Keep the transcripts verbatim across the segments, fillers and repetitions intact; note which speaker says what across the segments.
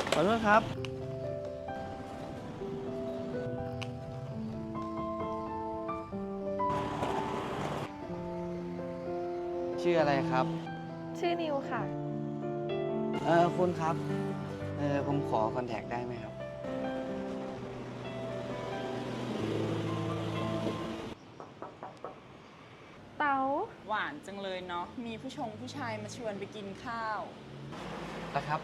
Speaker 1: ขอโทษครับชื่ออะไรครับ
Speaker 2: ชื่อนิวค่ะ
Speaker 1: เออคุณครับเออผมขอคอนแทคได้ไหมครับ
Speaker 2: เต๋า
Speaker 3: หวานจังเลยเนาะ มีผู้ชงผู้ชายมาชวนไปกินข้าว
Speaker 1: นะครับ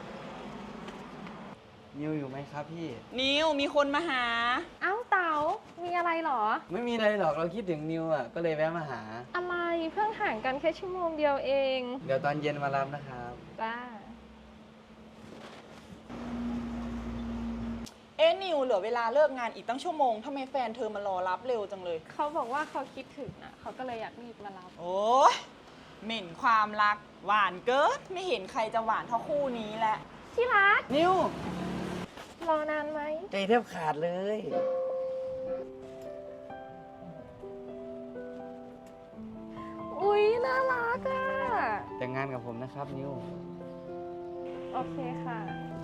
Speaker 1: นิวอยู่ไหมครับพี่
Speaker 3: นิวมีคนมาหา
Speaker 2: เอ้าเต๋ามีอะไรเหรอ
Speaker 1: ไม่มีอะไรหรอกเราคิดถึงนิวอ่ะก็เลยแวะมาหา
Speaker 2: อะไรเพิ่งห่างกันแค่ชั่วโมงเดียวเอง
Speaker 1: เดี๋ยวตอนเย็นมารับนะครับ
Speaker 2: จ้า
Speaker 3: เอ๊ะนิวเหลือเวลาเลิกงานอีกตั้งชั่วโมงทำไมแฟนเธอมารอรับเร็วจังเลย
Speaker 2: เขาบอกว่าเขาคิดถึงอ่ะเขาก็เลยอยากรีบมารับ
Speaker 3: โอ้ยเหม็นความรักหวานเกินไม่เห็นใครจะหวานเท่าคู่นี้แหละ
Speaker 2: ที่รัก
Speaker 1: นิว
Speaker 2: รอนานไหม
Speaker 1: ใจแทบขาดเลย
Speaker 2: อุ๊ยน่ารักอ่ะ
Speaker 1: แต่งงานกับผมนะครับนิว
Speaker 2: โอเคค่ะ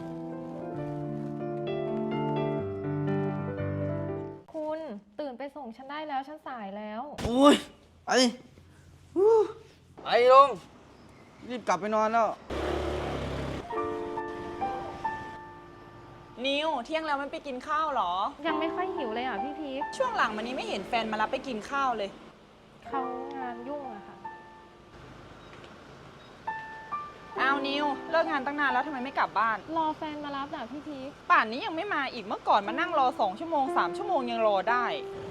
Speaker 2: คุณตื่นไปส่งฉันได้แล้วฉันสายแล้ว
Speaker 1: อุ้ยไปไปลงรีบกลับไปนอนแล้ว
Speaker 3: นิวเที่ยงแล้วไม่ไปกินข้าวหรอ
Speaker 2: ยังไม่ค่อยหิวเลยอ่ะพี่พีค
Speaker 3: ช่วงหลังมานี้ไม่เห็นแฟนมารับไปกินข้าวเลย
Speaker 2: เขางานยุ่งอะค่ะ
Speaker 3: อ้าวนิวเลิกงานตั้งนานแล้วทำไมไม่กลับบ้าน
Speaker 2: รอแฟนมารับอ่ะพี่พีค
Speaker 3: ป่านนี้ยังไม่มาอีกเมื่อก่อนมานั่งรอสองชั่วโมงสามชั่วโมงยังรอได้